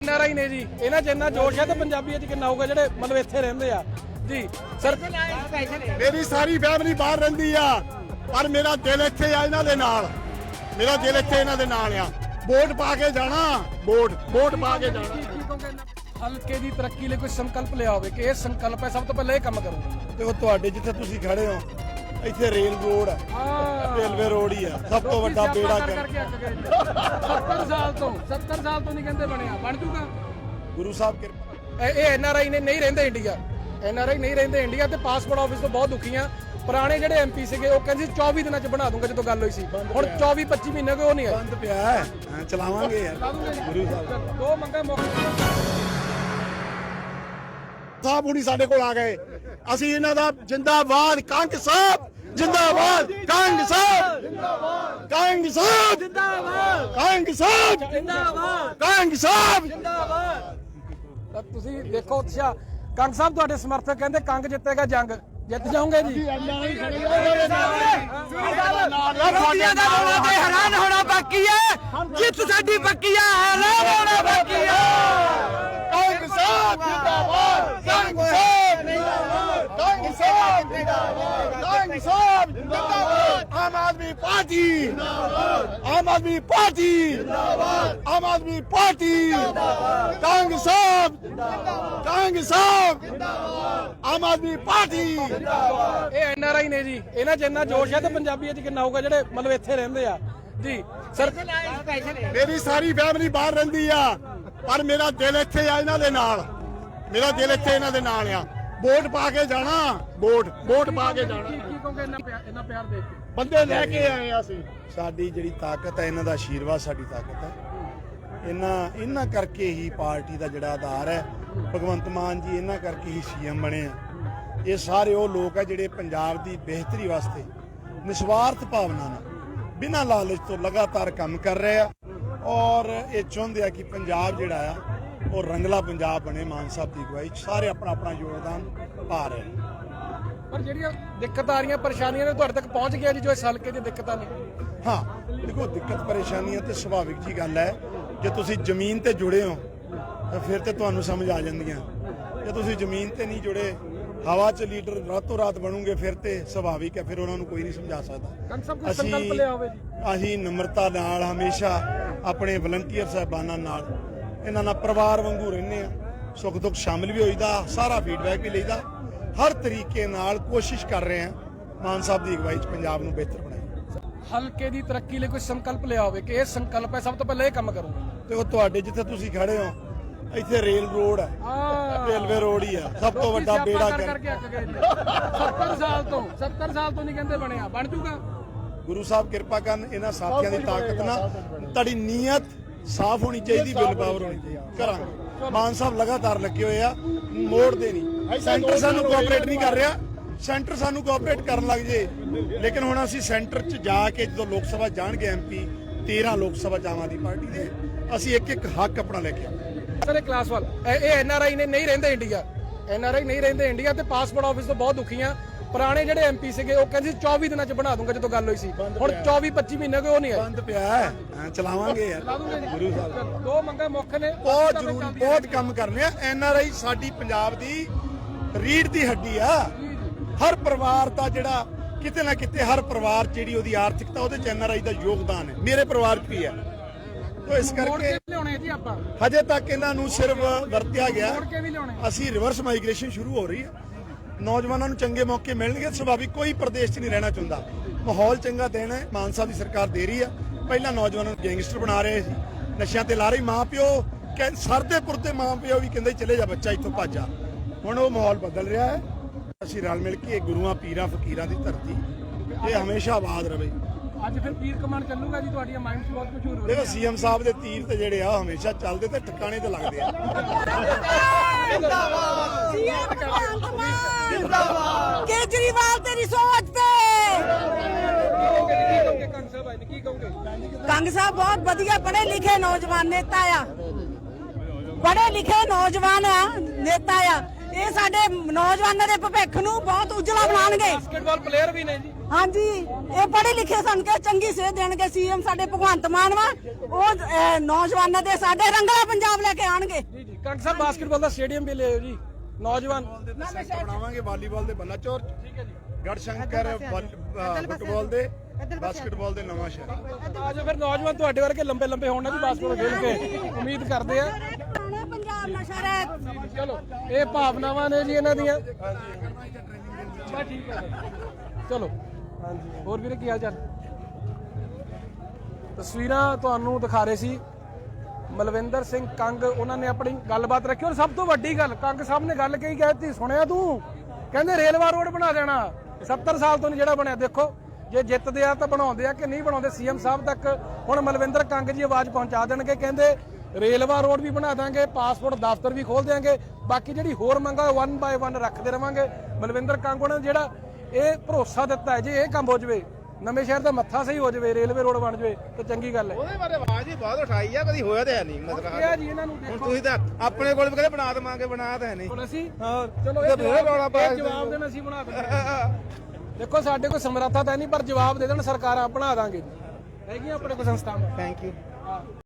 NRI ਨੇ ਜੀ ਇਹਨਾਂ 'ਚ ਇੰਨਾ ਜੋਸ਼ ਹੈ ਤੇ ਪੰਜਾਬੀ 'ਚ ਕਿੰਨਾ ਹੋਊਗਾ ਜਿਹੜੇ ਮਤਲਬ ਇੱਥੇ ਰਹਿੰਦੇ ਆ ਜੀ ਸਰ। ਮੇਰੀ ਸਾਰੀ ਫੈਮਿਲੀ ਬਾਹਰ ਰਹਿੰਦੀ ਆ ਪਰ ਮੇਰਾ ਦਿਲ ਇੱਥੇ ਆ ਇਹਨਾਂ ਦੇ ਨਾਲ, ਮੇਰਾ ਦਿਲ ਇੱਥੇ ਇਹਨਾਂ ਦੇ ਨਾਲ ਆ। ਵੋਟ ਪਾ ਕੇ ਜਾਣਾ, ਵੋਟ ਪਾ ਕੇ ਜਾਣਾ। ਹਲਕੇ ਦੀ ਤਰੱਕੀ ਲਈ ਕੋਈ ਸੰਕਲਪ ਲਿਆ ਹੋਵੇ ਕਿ ਇਹ ਸੰਕਲਪ ਹੈ ਸਭ ਤੋਂ ਪਹਿਲਾਂ ਇਹ ਕੰਮ ਕਰੂੰਗਾ। ਦੇਖੋ ਤੁਹਾਡੇ ਜਿੱਥੇ ਤੁਸੀਂ ਖੜੇ ਹੋ ਇੱਥੇ ਰੇਲ ਰੋਡ ਆ, ਰੇਲਵੇ ਰੋਡ ਹੀ ਆ, ਸਭ ਤੋਂ ਵੱਡਾ ਬੇੜਾ ਕਰਕੇ 70 ਸਾਲ ਤੋਂ ਨਹੀਂ ਕਹਿੰਦੇ ਬਣਿਆ, ਬਣ ਜੂਗਾ ਗੁਰੂ ਸਾਹਿਬ ਕਿਰਪਾ। ਇਹ NRI ਨੇ ਨਹੀਂ ਰਹਿੰਦੇ ਇੰਡੀਆ, NRI ਨਹੀਂ ਰਹਿੰਦੇ ਇੰਡੀਆ ਤੇ ਪਾਸਪੋਰਟ ਆਫਿਸ ਤੋਂ ਬਹੁਤ ਦੁਖੀ ਆ। ਪੁਰਾਣੇ ਜਿਹੜੇ MP ਸੀਗੇ ਉਹ ਕਹਿੰਦੇ 24 ਦਿਨਾਂ 'ਚ ਬਣਾ ਦੂੰਗਾ ਜਦੋਂ ਗੱਲ ਹੋਈ ਸੀ, ਹੁਣ 24-25 ਮਹੀਨੇ ਕੋਈ ਉਹ ਨਹੀਂ ਹੈ। ਬੰਦ ਪਿਆ ਹੈ, ਚਲਾਵਾਂਗੇ ਯਾਰ ਗੁਰੂ ਸਾਹਿਬ। ਦੋ ਮੰਗਾ ਸਾਹਿਬ ਹੁਣੀ ਸਾਡੇ ਕੋਲ ਆ ਗਏ, ਅਸੀਂ ਇਹਨਾਂ ਦਾ ਜਿੰਦਾਬਾਦ ਕੰਗ ਸਾਹਿਬ, ਜਿੰਦਾਬਾਦ ਕੰਗ ਸਾਹਿਬ, ਕੰਗ ਸਾਹਿਬ ਜਿੰਦਾਬਾਦ, ਕੰਗ ਸਾਹਿਬ ਜਿੰਦਾਬਾਦ, ਕੰਗ ਸਾਹਿਬ ਜਿੰਦਾਬਾਦ। ਤੁਸੀਂ ਦੇਖੋ ਉਤਸ਼ਾਹ। ਕੰਗ ਸਾਹਿਬ ਤੁਹਾਡੇ ਸਮਰਥਕ ਕਹਿੰਦੇ ਕੰਗ ਜਿੱਤੇਗਾ, ਜੰਗ ਜਿੱਤ ਜਾਓਗੇ ਜੀ। ਹੈਰਾਨ ਹੋਣਾ ਬਾਕੀ ਹੈ, ਜਿੱਤ ਸਾਡੀ ਪੱਕੀ ਹੈ, ਹੈਰਾਨ ਹੋਣਾ ਬਾਕੀ ਹੈ। ਕੰਗ ਸਾਹਿਬ ਜਿੰਦਾਬਾਦ, ਕੰਗ ਸਾਹਿਬ ਜਿੰਦਾਬਾਦ, ਕੰਗ ਸਾਹਿਬ ਜਿੰਦਾਬਾਦ, ਕੰਗ ਸਾਹਿਬ ਜਿੰਦਾਬਾਦ। ਆਮ ਆਦਮੀ ਪਾਰਟੀ ਜਿੰਦਾਬਾਦ, ਆਮ ਆਦਮੀ ਪਾਰਟੀ ਜਿੰਦਾਬਾਦ, ਆਮ ਆਦਮੀ ਪਾਰਟੀ ਜਿੰਦਾਬਾਦ, ਕੰਗ ਸਾਹਿਬ ਜਿੰਦਾਬਾਦ, ਕੰਗ ਸਾਹਿਬ ਜਿੰਦਾਬਾਦ, ਆਮ ਆਦਮੀ ਪਾਰਟੀ ਜਿੰਦਾਬਾਦ। ਇਹ NRI ਨੇ ਜੀ ਇਹਨਾਂ 'ਚ ਇੰਨਾ ਜੋਸ਼ ਹੈ ਤੇ ਪੰਜਾਬੀ 'ਚ ਕਿੰਨਾ ਹੋਊਗਾ ਜਿਹੜੇ ਮਤਲਬ ਇੱਥੇ ਰਹਿੰਦੇ ਆ ਜੀ ਸਰ। ਮੇਰੀ ਸਾਰੀ ਫੈਮਿਲੀ ਬਾਹਰ ਰਹਿੰਦੀ ਆ ਪਰ ਮੇਰਾ ਦਿਲ ਇੱਥੇ ਆ ਇਹਨਾਂ ਦੇ ਨਾਲ, ਮੇਰਾ ਦਿਲ ਇੱਥੇ ਇਹਨਾਂ ਦੇ ਨਾਲ ਆ। ਵੋਟ ਪਾ ਕੇ ਜਾਣਾ, ਵੋਟ ਪਾ ਕੇ ਜਾਣਾ। ਕੀ ਕਹੋਗੇ ਇੰਨਾ ਪਿਆਰ ਦੇਖ ਕੇ? ਬੰਦੇ ਲੈ ਕੇ ਆਏ ਆ ਅਸੀਂ। ਸਾਡੀ ਜਿਹੜੀ ਤਾਕਤ ਹੈ ਇਹਨਾਂ ਦਾ ਆਸ਼ੀਰਵਾਦ ਸਾਡੀ ਤਾਕਤ ਹੈ। ਇਹਨਾਂ ਕਰਕੇ ਹੀ ਪਾਰਟੀ ਦਾ ਜਿਹੜਾ ਆਧਾਰ ਹੈ ਭਗਵੰਤ ਮਾਨ ਜੀ, ਇਹਨਾਂ ਕਰਕੇ ਹੀ CM ਬਣੇ ਆ। ਇਹ ਸਾਰੇ ਉਹ ਲੋਕ ਆ ਜਿਹੜੇ ਪੰਜਾਬ ਦੀ ਬਿਹਤਰੀ ਵਾਸਤੇ ਨਿਸਵਾਰਥ ਭਾਵਨਾ ਨਾਲ ਬਿਨਾਂ ਲਾਲਚ ਤੋਂ ਲਗਾਤਾਰ ਕੰਮ ਕਰ ਰਹੇ ਆ ਔਰ ਇਹ ਚਾਹੁੰਦੇ ਆ ਕਿ ਪੰਜਾਬ ਜਿਹੜਾ ਆ ਉਹ ਰੰਗਲਾ ਪੰਜਾਬ ਬਣੇ। ਮਾਨ ਸਾਹਿਬ ਦੀ ਅਗਵਾਈ 'ਚ ਸਾਰੇ ਆਪਣਾ ਯੋਗਦਾਨ ਪਾ ਰਹੇ ਨੇ। ਪਰ ਜਿਹੜੀਆਂ ਦਿੱਕਤਾਂ ਆ ਰਹੀਆਂ, ਪਰੇਸ਼ਾਨੀਆਂ ਨੇ ਤੁਹਾਡੇ ਤੱਕ ਪਹੁੰਚ ਗਿਆ ਜੀ ਜੋ ਇਸ ਹਲਕੇ ਦੀਆਂ ਦਿੱਕਤਾਂ ਨੇ? ਹਾਂ ਦੇਖੋ, ਦਿੱਕਤ ਪਰੇਸ਼ਾਨੀਆਂ ਤੇ ਸੁਭਾਵਿਕ ਜੀ ਗੱਲ ਹੈ। ਜੇ ਤੁਸੀਂ ਜ਼ਮੀਨ ਤੇ ਜੁੜੇ ਹੋ ਤਾਂ ਫਿਰ ਤੇ ਤੁਹਾਨੂੰ ਸਮਝ ਆ ਜਾਂਦੀਆਂ। ਜੇ ਤੁਸੀਂ ਜ਼ਮੀਨ ਤੇ ਨਹੀਂ ਜੁੜੇ, ਹਵਾ 'ਚ ਲੀਡਰ ਰਾਤੋਂ ਰਾਤ ਬਣੋਗੇ ਫਿਰ ਤੇ ਸੁਭਾਵਿਕ ਹੈ, ਫਿਰ ਉਹਨਾਂ ਨੂੰ ਕੋਈ ਨਹੀਂ ਸਮਝਾ ਸਕਦਾ। ਅਸੀਂ ਨਮਰਤਾ ਨਾਲ ਹਮੇਸ਼ਾ ਆਪਣੇ ਵਲੰਟੀਅਰ ਸਾਹਿਬਾਨਾਂ ਨਾਲ, ਇਹਨਾਂ ਨਾਲ ਪਰਿਵਾਰ ਵਾਂਗੂ ਰਹਿੰਦੇ ਆ। ਸੁੱਖ ਦੁੱਖ ਸ਼ਾਮਿਲ ਵੀ ਹੋਈਦਾ, ਸਾਰਾ ਫੀਡਬੈਕ ਵੀ ਲਈਦਾ, ਹਰ ਤਰੀਕੇ ਨਾਲ ਕੋਸ਼ਿਸ਼ ਕਰ ਰਹੇ ਆ ਮਾਨ ਸਾਹਿਬ ਦੀ ਅਗਵਾਈ 'ਚ ਪੰਜਾਬ ਨੂੰ ਬਿਹਤਰ ਬਣਾਈਏ। ਹਲਕੇ ਦੀ ਤਰੱਕੀ ਲਈ ਕੋਈ ਸੰਕਲਪ ਲਿਆ ਹੋਵੇ ਕਿ ਇਹ ਸੰਕਲਪ ਹੈ ਸਭ ਤੋਂ ਪਹਿਲਾਂ ਇਹ ਕੰਮ ਕਰੂੰਗਾ। ਦੇਖੋ ਤੁਹਾਡੇ ਜਿੱਥੇ ਤੁਸੀਂ ਖੜੇ ਹੋ ਇੱਥੇ ਰੇਲ ਰੋਡ ਆ, ਰੇਲਵੇ ਰੋਡ ਹੀ ਆ, ਸਭ ਤੋਂ ਵੱਡਾ ਬੇੜਾ ਕਰਕੇ 70 ਸਾਲ ਤੋਂ ਨਹੀਂ ਕਹਿੰਦੇ ਬਣਿਆ, ਬਣ ਜੂਗਾ ਗੁਰੂ ਸਾਹਿਬ ਕਿਰਪਾ ਕਰਨ। ਇਹਨਾਂ ਸਾਥੀਆਂ ਦੀ ਤਾਕਤ ਨਾਲ ਤੁਹਾਡੀ ਨੀਅਤ ਸਾਫ਼ ਹੋਣੀ ਚਾਹੀਦੀ, ਵਿਲ ਪਾਵਰ ਹੋਣੀ ਚਾਹੀਦੀ। ਕਰਾਂਗੇ। ਮਾਨ ਸਾਹਿਬ ਲਗਾਤਾਰ ਲੱਗੇ ਹੋਏ ਆ, ਮੋੜਦੇ ਨਹੀਂ। ਸੈਂਟਰ ਸਾਨੂੰ ਕੋਆਪਰੇਟ ਨਹੀਂ ਕਰ ਰਿਹਾ, ਸੈਂਟਰ ਸਾਨੂੰ ਕੋਆਪਰੇਟ ਕਰਨ ਲੱਗ ਜੇ। ਲੇਕਿਨ ਹੁਣ ਅਸੀਂ ਸੈਂਟਰ 'ਚ ਜਾ ਕੇ ਜਦੋਂ ਲੋਕ ਸਭਾ ਜਾਣਗੇ MP, 13 ਲੋਕ ਸਭਾ ਆਮ ਆਦਮੀ ਪਾਰਟੀ ਦੇ, ਅਸੀਂ ਇੱਕ ਹੱਕ ਆਪਣਾ ਲੈ ਕੇ ਆਵਾਂਗੇ। ਸਰ ਇਹ ਕਲਾਸਵਾਲ ਇਹ NRI ਨੇ ਨਹੀਂ ਰਹਿੰਦੇ ਇੰਡੀਆ, NRI ਨਹੀਂ ਰਹਿੰਦੇ ਇੰਡੀਆ ਤੇ ਪਾਸਪੋਰਟ ਆਫਿਸ ਤੋਂ ਬਹੁਤ ਦੁਖੀ ਆ। ਪੁਰਾਣੇ ਜਿਹੜੇ MP ਸੀਗੇ ਉਹ ਕਹਿੰਦੇ 24 ਦਿਨਾਂ 'ਚ ਬਣਾ ਦੂੰਗਾ ਜਦੋਂ ਗੱਲ ਹੋਈ ਸੀ, ਹੁਣ 24-25 ਮਹੀਨੇ ਕੋਈ ਉਹ ਨਹੀਂ ਹੈ। ਬੰਦ ਪਿਆ ਹੈ, ਚਲਾਵਾਂਗੇ ਯਾਰ ਗੁਰੂ ਸਾਹਿਬ। ਦੋ ਮੰਗਾਂ ਮੁੱਖ ਨੇ, ਬਹੁਤ ਜ਼ਰੂਰੀ, ਬਹੁਤ ਕੰਮ ਕਰਨੇ ਆ। NRI ਸਾਡੀ ਪੰਜਾਬ ਦੀ ਰੀੜ੍ਹ ਦੀ ਹੱਡੀ ਆ। ਹਰ ਪਰਿਵਾਰ ਦਾ ਜਿਹੜਾ ਕਿਤੇ ਨਾ ਕਿਤੇ, ਹਰ ਪਰਿਵਾਰ ਜਿਹੜੀ ਉਹਦੀ ਆਰਥਿਕਤਾ ਉਹਦੇ 'ਚ NRI ਦਾ ਯੋਗਦਾਨ ਹੈ। ਮੇਰੇ ਪਰਿਵਾਰ 'ਚ ਵੀ ਹੈ। ਤੋ ਇਸ ਕਰਕੇ ਲਿਆਉਣੇ ਜੀ ਆਪਾਂ ਹਜੇ ਤੱਕ ਇਹਨਾਂ ਨੂੰ ਸਿਰਫ ਵਰਤਿਆ ਗਿਆ। ਮੋੜ ਕੇ ਵੀ ਲਿਆਉਣੇ। ਅਸੀਂ ਰਿਵਰਸ ਮਾਈਗ੍ਰੇਸ਼ਨ ਸ਼ੁਰੂ ਹੋ ਰਹੀ ਹੈ, ਨੌਜਵਾਨਾਂ ਨੂੰ ਚੰਗੇ ਮੌਕੇ ਮਿਲਣਗੇ। ਸੁਭਾਵਿਕ ਕੋਈ ਪ੍ਰਦੇਸ਼ 'ਚ ਨਹੀਂ ਰਹਿਣਾ ਚਾਹੁੰਦਾ, ਮਾਹੌਲ ਚੰਗਾ ਦੇਣਾ ਹੈ। ਮਾਨ ਸਾਹਿਬ ਦੀ ਸਰਕਾਰ ਦੇ ਰਹੀ ਆ। ਪਹਿਲਾਂ ਨੌਜਵਾਨਾਂ ਨੂੰ ਗੈਂਗਸਟਰ ਬਣਾ ਰਹੇ ਸੀ, ਨਸ਼ਿਆਂ ਤੇ ਲਾ ਰਹੀ। ਮਾਂ ਪਿਓ ਸਰਦੇ ਪੁਰਦੇ ਮਾਂ ਪਿਓ ਵੀ ਕਹਿੰਦੇ ਚਲੇ ਜਾ ਬੱਚਾ ਇੱਥੋਂ ਭੱਜ ਜਾ। ਹੁਣ ਉਹ ਮਾਹੌਲ ਬਦਲ ਰਿਹਾ ਹੈ। ਅਸੀਂ ਰਲ ਮਿਲ ਕੇ ਗੁਰੂਆਂ ਪੀਰਾਂ ਫਕੀਰਾਂ ਦੀ ਧਰਤੀ ਇਹ ਹਮੇਸ਼ਾ ਆਬਾਦ ਰਵੇ। ਅੱਜ ਫਿਰ ਤੀਰ ਕਮਾਨ ਚੱਲੂਗਾ ਜੀ, ਤੁਹਾਡੀਆਂ ਮਾਈਂਡਸ ਬਹੁਤ ਮਸ਼ਹੂਰ ਹੋ ਦੇਖੋ CM ਸਾਹਿਬ ਦੇ ਤੀਰ ਤੇ ਜਿਹੜੇ ਆ ਹਮੇਸ਼ਾ ਚੱਲਦੇ ਤੇ ਟਿਕਾਣੇ ਤੇ ਲੱਗਦੇ ਆ। ਕੇਜਰੀਵਾਲ ਤੇਰੀ ਸੋਚ ਤੇ ਕੰਗ ਸਾਹਿਬ ਬਹੁਤ ਵਧੀਆ ਪੜ੍ਹੇ ਲਿਖੇ ਨੌਜਵਾਨ ਨੇਤਾ ਆ, ਪੜ੍ਹੇ ਲਿਖੇ ਨੌਜਵਾਨ ਨੇਤਾ ਆ। ਇਹ ਸਾਡੇ ਨੌਜਵਾਨਾਂ ਦੇ ਭਵਿੱਖ ਨੂੰ ਬਹੁਤ ਉਜਲਾ ਬਣਾਉਣਗੇ। ਬਾਸਕਟਬਾਲ ਪਲੇਅਰ ਵੀ ਨੇ ਜੀ। ਹਾਂਜੀ ਇਹ ਪੜ੍ਹੇ ਲਿਖੇ ਸਨ ਕੇ ਚੰਗੀ ਸੇਧ ਦੇਣਗੇ ਸੀਐਮ ਸਾਡੇ ਭਗਵੰਤ ਮਾਨ ਵਾ ਉਹ ਨੌਜਵਾਨਾਂ ਦੇ ਸਾਡੇ ਰੰਗਲਾ ਪੰਜਾਬ ਲੈ ਕੇ ਆਣਗੇ ਜੀ ਜੀ ਕੰਗ ਸਾਹਿਬ ਬਾਸਕਟਬਾਲ ਦਾ ਸਟੇਡੀਅਮ ਵੀ ਲਿਆਓ ਜੀ ਨੌਜਵਾਨ ਬਣਾਵਾਂਗੇ ਵਾਲੀਬਾਲ ਦੇ ਬਲਾਚੌਰ ਠੀਕ ਹੈ ਜੀ ਗੜਸ਼ੰਕਰ ਫੁੱਟਬਾਲ ਦੇ ਬਾਸਕਟਬਾਲ ਦੇ ਨਵਾਂ ਸ਼ਹਿਰ ਆਜੋ ਫਿਰ ਨੌਜਵਾਨ ਤੁਹਾਡੇ ਵਰਗੇ ਲੰਬੇ ਲੰਬੇ ਹੋਣ ਨਾ ਜੀ ਬਾਸਕਟਬਾਲ ਖੇਡ ਕੇ ਉਮੀਦ ਕਰਦੇ ਆ ਪੰਜਾਬ ਨਸ਼ਾ ਰਹਿਤ ਚਲੋ ਇਹ ਭਾਵਨਾਵਾਂ ਨੇ ਜੀ ਇਹਨਾਂ ਦੀਆਂ ਬਸ ਠੀਕ ਹੈ ਚਲੋ ਹਾਂਜੀ ਹੋਰ ਵੀਰੇ ਕੀ ਹਾਲ ਚਾਲ ਤਸਵੀਰਾਂ ਤੁਹਾਨੂੰ ਦਿਖਾ ਰਹੇ ਸੀ ਮਲਵਿੰਦਰ ਸਿੰਘ ਕੰਗ ਉਹਨਾਂ ਨੇ ਆਪਣੀ ਗੱਲਬਾਤ ਰੱਖੀ ਔਰ ਸਭ ਤੋਂ ਵੱਡੀ ਗੱਲ ਕੰਗ ਸਾਹਿਬ ਨੇ ਗੱਲ ਕਹੀ ਕਹਿਤੀ ਸੁਣਿਆ ਤੂੰ ਕਹਿੰਦੇ ਰੇਲਵਾ ਰੋਡ ਬਣਾ ਦੇਣਾ 70 ਸਾਲ ਤੋਂ ਜਿਹੜਾ ਬਣਿਆ ਦੇਖੋ ਜੇ ਜਿੱਤਦੇ ਆ ਤਾਂ ਬਣਾਉਂਦੇ ਆ ਕਿ ਨਹੀਂ ਬਣਾਉਂਦੇ ਸੀਐਮ ਸਾਹਿਬ ਤੱਕ ਹੁਣ ਮਲਵਿੰਦਰ ਕੰਗ ਜੀ ਆਵਾਜ਼ ਪਹੁੰਚਾ ਦੇਣਗੇ ਕਹਿੰਦੇ ਰੇਲਵਾ ਰੋਡ ਵੀ ਬਣਾ ਦਾਂਗੇ ਪਾਸਪੋਰਟ ਦਫ਼ਤਰ ਵੀ ਖੋਲ ਦਿਆਂਗੇ ਬਾਕੀ ਜਿਹੜੀ ਹੋਰ ਮੰਗਾਂ 1 ਬਾਏ 1 ਰੱਖਦੇ ਰਵਾਂਗੇ ਮਲਵਿੰਦਰ ਕੰਗ ਉਹਨਾਂ ਨੇ ਜਿਹੜਾ ਇਹ ਭਰੋਸਾ ਦਿੱਤਾ ਹੈ ਜੇ ਇਹ ਕੰਮ ਹੋ ਜਵੇ ਨਵੇਂ ਸ਼ਹਿਰ ਦਾ ਮੱਥਾ ਸਹੀ ਹੋ ਜਵੇ ਰੇਲਵੇ ਰੋਡ ਬਣ ਜਵੇ ਤਾਂ ਚੰਗੀ ਗੱਲ ਹੈ ਉਹਦੇ ਬਾਰੇ ਆਵਾਜ਼ ਹੀ ਬਹੁਤ ਉਠਾਈ ਆ ਕਦੀ ਹੋਇਆ ਤੇ ਹੈ ਨਹੀਂ ਮਤਲਬ ਕਿਹਾ ਜੀ ਇਹਨਾਂ ਨੂੰ ਹੁਣ ਦੇਖੋ ਤੁਸੀਂ ਤਾਂ ਆਪਣੇ ਕੋਲ ਵੀ ਕਹਿੰਦੇ ਬਣਾ ਦੇਵਾਂਗੇ ਬਣਾ ਤਾਂ ਹੈ ਨਹੀਂ ਹੁਣ ਅਸੀਂ ਹਾਂ ਚਲੋ ਇਹ ਫਿਰ ਰੌਲਾ ਪਾਇਆ ਇਹ ਜਵਾਬ ਦੇਣ ਅਸੀਂ ਬਣਾ ਦਿੰਦੇ ਦੇਖੋ ਸਾਡੇ ਕੋਲ ਸਮਰੱਥਾ ਤਾਂ ਨਹੀਂ ਪਰ ਜਵਾਬ ਦੇ ਦੇਣ ਸਰਕਾਰਾਂ ਬਣਾ ਦਾਂਗੇ ਜੀ ਹੈਗੀਆਂ ਆਪਣੇ ਕੋਲ ਸੰਸਥਾਵਾਂ ਥੈਂਕ ਯੂ